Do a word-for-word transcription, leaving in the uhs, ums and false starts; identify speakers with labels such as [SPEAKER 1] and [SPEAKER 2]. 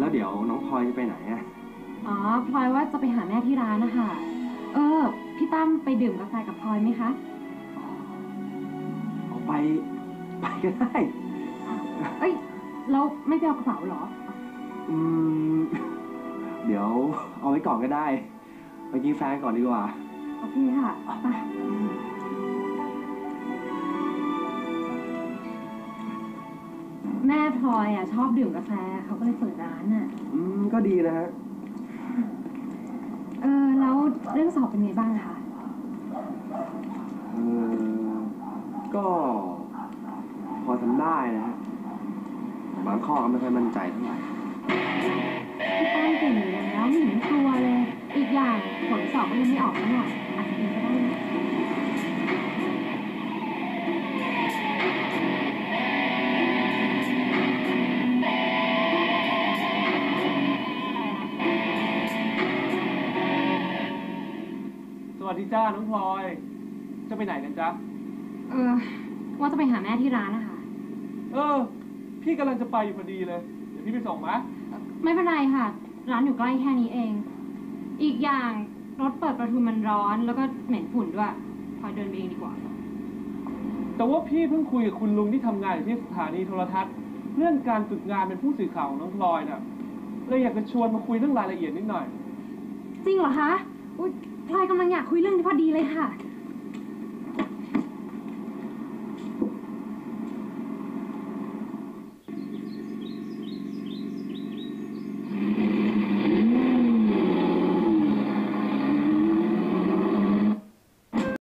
[SPEAKER 1] แล้วเดี๋ยวน้องพลอยจะไปไหนอ่ะ
[SPEAKER 2] อ๋อพลอยว่าจะไปหาแม่ที่ร้านนะคะเออพี่ตั้มไปดื่มกาแฟกับพลอยไหมคะ
[SPEAKER 1] เอาไปไปก็ได้
[SPEAKER 2] เอ้ยเราไม่ไปเอากระเป๋าเหรอ
[SPEAKER 1] อืมเดี๋ยวเอาไว้ก่อนก็ได้ไปกินแฟนก่อนดีกว่า
[SPEAKER 2] โอเคค่ะไปแม่พลอยอ่ะชอบดื่มกาแฟเขาก็เลยเปิดร้านอ่ะ
[SPEAKER 1] อืมก็ดีนะฮะ
[SPEAKER 2] เออแล้วเรื่องสอบเป็นไงบ้างคะ
[SPEAKER 1] เออก็พอทำได้นะฮะบางข้อก็ไม่ค่อยมั่นใจเท่าไหร่
[SPEAKER 2] พี่ตั้งเก่งอยู่แล้วไม่เห็นกลัวเลยอีกอย่างผลสอบก็ยังไม่ออกหน่อยอาจจะเป็นก็ได้นะ
[SPEAKER 3] สวัสดีจ้าน้องพลอยจะไปไหนกันจ๊ะ
[SPEAKER 2] เออว่าจะไปหาแม่ที่ร้านนะคะ
[SPEAKER 3] เออพี่กำลังจะไปอยู่พอดีเลยเดี๋ยวพี่ไปส่งไหม
[SPEAKER 2] ไม่เป็นไรค่ะร้านอยู่ใกล้แค่นี้เองอีกอย่างรถเปิดประตูมันร้อนแล้วก็เหม็นฝุ่นด้วยพลอยเดินไปเองดีกว่า
[SPEAKER 3] แต่ว่าพี่เพิ่งคุยกับคุณลุงที่ทำงานอยู่ที่สถานีโทรทัศน์เรื่องการฝึกงานเป็นผู้สื่อข่าวของน้องพลอยน่ะเลยอยากจะชวนมาคุยเรื่องรายละเอียดนิดหน่อย
[SPEAKER 2] จริงเหรอคะอุ๊ยพลอยกำลังอยากคุยเรื่องนี้พอดีเลยค่ะ